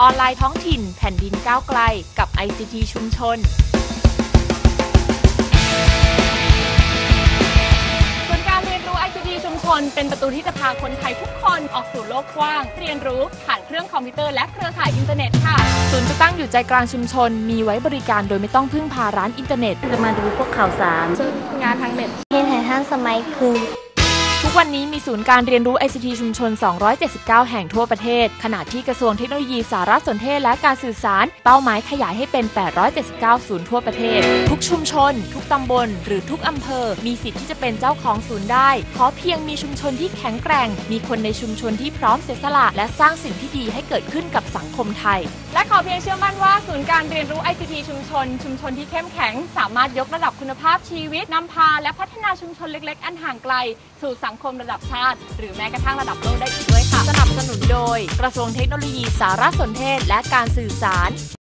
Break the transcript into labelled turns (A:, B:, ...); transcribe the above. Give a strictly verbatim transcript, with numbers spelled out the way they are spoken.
A: ออนไลน์ท้องถิ่นแผ่นดินก้าวไกลกับ ไอ ซี ที ชุมชนส่วนการเรียนรู้ ไอ ซี ที ชุมชนเป็นประตูที่จะพาคนไทยทุกคนออกสู่โลกกว้างเรียนรู้ผ่านเครื่องคอมพิวเตอร์และเครือข่ายอินเทอร์เน็ตค่ะศูนย์จะตั้งอยู่ใจกลางชุมชนมีไว้บริการโดยไม่ต้องพึ่งพาร้านอินเทอร์เน็ต
B: จะมาดูพวกข่าวสาร
A: ซึ่งงานทางเน็ต
B: เห็นท่านสมัยคือ
A: ทุกวันนี้มีศูนย์การเรียนรู้ ไอ ซี ที ชุมชน สองร้อยเจ็ดสิบเก้า แห่งทั่วประเทศขณะที่กระทรวงเทคโนโลยีสารสนเทศและการสื่อสารเป้าหมายขยายให้เป็น แปดร้อยเจ็ดสิบเก้า ศูนย์ทั่วประเทศทุกชุมชนทุกตำบลหรือทุกอำเภอมีสิทธิ์ที่จะเป็นเจ้าของศูนย์ได้ขอเพียงมีชุมชนที่แข็งแกร่งมีคนในชุมชนที่พร้อมเสียสละและสร้างสิ่งที่ดีให้เกิดขึ้นกับสังคมไทยและขอเพียงเชื่อมั่นว่าศูนย์การเรียนรู้ ไอ ซี ที ชุมชนชุมชนที่เข้มแข็งสามารถยกระดับคุณภาพชีวิตนำพาและพัฒนาชุมชนเล็กๆอันห่างไกลสู่สังคมระดับชาติหรือแม้กระทั่งระดับโลกได้อีกด้วยค่ะสนับสนุนโดยกระทรวงเทคโนโลยีสารสนเทศและการสื่อสาร